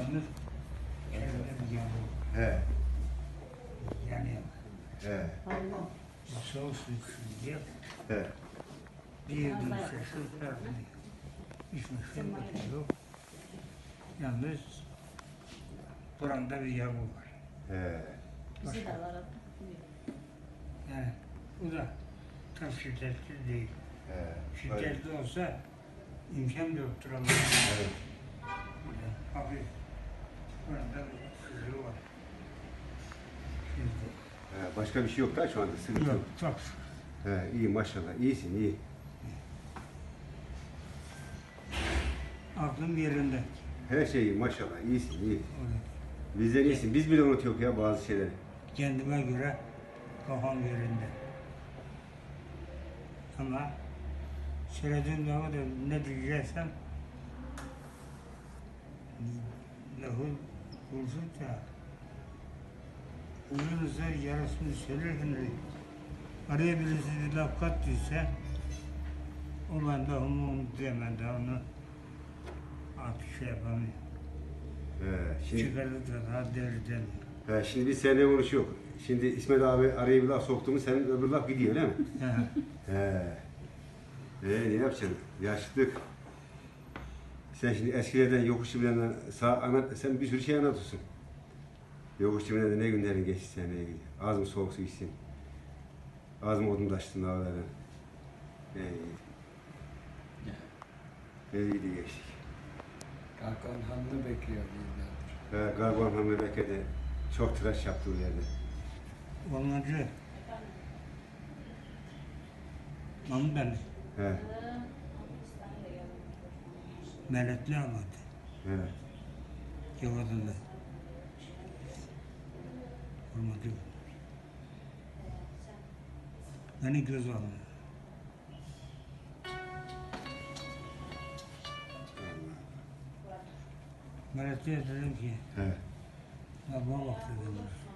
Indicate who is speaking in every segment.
Speaker 1: Yalnız kendine bir yağmur.
Speaker 2: He.
Speaker 1: Yani
Speaker 2: He.
Speaker 1: soğuk su içsin diye.
Speaker 2: He.
Speaker 1: Bir yudum su farklı. İçmek yok. Yalnız buramda bir yağmur var.
Speaker 2: He.
Speaker 3: Bizi de var.
Speaker 1: Yani bu da tam şiddetli değil.
Speaker 2: He. Öyle.
Speaker 1: Şiddetli olsa imkan yoktur ama.
Speaker 2: Evet.
Speaker 1: Hafif. Burada bir sızı var. Şimdi.
Speaker 2: He. Başka bir şey yok da şu anda sıkıntı yok.
Speaker 1: Yok, çok şükür.
Speaker 2: He. İyi maşallah. İyisin iyi.
Speaker 1: Aklım yerinde.
Speaker 2: Her şey iyi maşallah. İyisin iyi.
Speaker 1: Öyle.
Speaker 2: Bizden iyisin. Biz bile unutuyoruz ya bazı şeyleri.
Speaker 1: Kendime göre kafam yerinde. Ama söylediğim zaman da ne diyeceksem lafı kursun da uzun yarısını söylerken de araya birisi bir laf kattıysa o ben de onu diyemem de onu artık şey yapamıyor.
Speaker 2: He. Şimdi,
Speaker 1: Çıkardı da daha değerli demiyor.
Speaker 2: he. Şimdi biz seninle konuşuyoruz. Şimdi İsmet abi araya bir laf soktu mu senin öbür laf gidiyor değil mi? He. Ne yapacaksın? Yaşlılık. Sen şimdi eskilerden yokuş çimenlerden sen bir sürü şey anlatıyorsun. Yokuş çimenlerden ne günlerin geçti seninle ilgili. Az mı soğuk su içtin? Az mı odun taştın dağlardan? Ne iyiydi geçtik.
Speaker 4: Hakan Han'ı bekliyor yıllardır.
Speaker 2: Garban Hamdi Bekir'de çok tıraş yaptı o yerde.
Speaker 1: Olmacı. Mahmut Ali.
Speaker 2: He.
Speaker 1: Melekli anladı.
Speaker 2: He.
Speaker 1: Yavadında. Olmacı. Beni göz aldı. Melekli'ye dedim ki,
Speaker 2: He.
Speaker 1: ya bana bak dedim.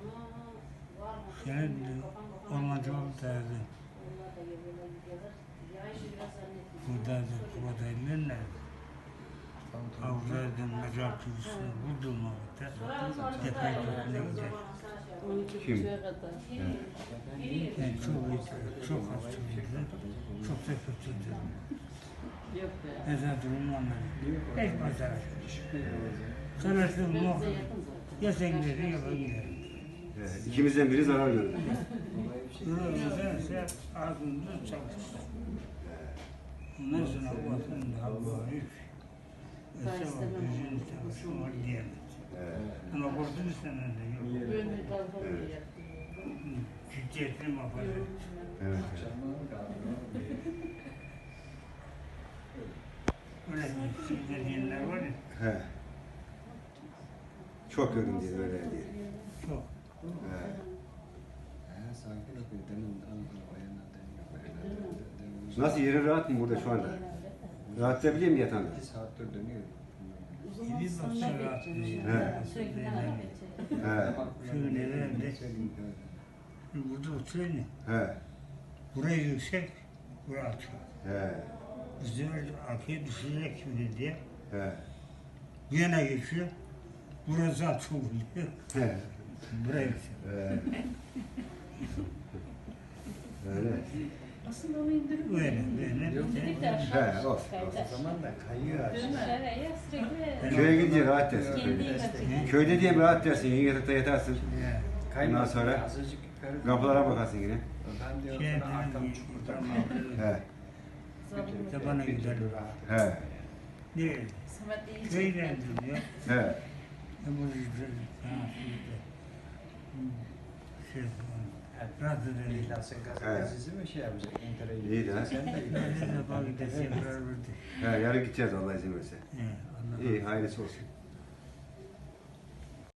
Speaker 1: Senin olmacı oldu derdi. Buradaydı, buradaydı, nerede? Avcılardan mezar kıyısını buldum vakitte. Tepeye topuna gider.
Speaker 3: 12
Speaker 2: Kim?
Speaker 3: buçuğa kadar.
Speaker 1: Yani çok hastaydı, çok da kötüydü.
Speaker 3: Yok be.
Speaker 1: Mezar durumu anladım. Hiç pazar. Sanırsın muhakkak. Ya sen giderim ya ben giderim.
Speaker 2: He. İkimizden biri zarar gördü.
Speaker 1: Nedense ağzımda çalıştı. Ondan sonra bakın daha büyük. Öse bak yüzünü çalışım var diyemez. Ama korktum senden de yok.
Speaker 3: Böyle kalkalım diye.
Speaker 1: Ciddiyetini muhafaza et.
Speaker 2: Evet.
Speaker 1: Öyle bir dediğinler var ya.
Speaker 2: He. Çok gördüm diye öyle diye.
Speaker 1: Çok.
Speaker 2: He.
Speaker 4: Sanki demin Ankara bayanlardan
Speaker 2: Nasıl yerin rahat mı burada şu anda? Rahatlayabiliyor musun yatağında?
Speaker 4: 2 saattir dönüyor.
Speaker 1: Bir baksa rahat değil.
Speaker 3: Sürekli bana geçecek.
Speaker 2: He.
Speaker 1: Şöyle nerede? Burada oturuyor ya.
Speaker 2: He.
Speaker 1: Burayı yüksek, burası alçak.
Speaker 2: He.
Speaker 1: Bizim arkaya düşecek şimdi diye.
Speaker 2: He.
Speaker 1: Bu yana geçiyor. Burası alçak oluyor.
Speaker 2: He.
Speaker 1: Buraya yüksek.
Speaker 2: He. Öyle.
Speaker 3: Aslında onu indirip
Speaker 1: Böyle.
Speaker 3: dedik de
Speaker 2: He,
Speaker 3: aşağı
Speaker 2: olsun,
Speaker 3: kaydı.
Speaker 4: O zaman da kayıyor aşağı.
Speaker 3: Dönme. Sürekli.
Speaker 2: Köye gidince rahat dersin.
Speaker 3: Kendi
Speaker 2: Köyde,
Speaker 3: kaçıyor.
Speaker 2: köyde diye bir rahat dersin. Yatakta yatarsın.
Speaker 1: Ya.
Speaker 2: Ondan sonra
Speaker 4: Azıcık yukarı.
Speaker 2: kapılara bakarsın yine.
Speaker 4: Ben diyorum
Speaker 1: Şey
Speaker 4: sana arkam
Speaker 1: dedim,
Speaker 4: çukurda.
Speaker 2: He.
Speaker 1: Tabana gider.
Speaker 2: He.
Speaker 1: Değil.
Speaker 3: Samet iyi
Speaker 1: Köyden
Speaker 3: çekti.
Speaker 1: diyor.
Speaker 2: He.
Speaker 1: Bu yüzden şey falan. Rahat edelim.
Speaker 4: İhlas'ın
Speaker 2: Evet.
Speaker 4: gazetesi mi şey yapacak? Enter'e
Speaker 2: İyi de ha.
Speaker 4: Sen de
Speaker 1: Ne defa gideceğim beraber de.
Speaker 2: He, yarın gideceğiz Allah izin verirse.
Speaker 1: Allah
Speaker 2: İyi, hayırlısı olsun.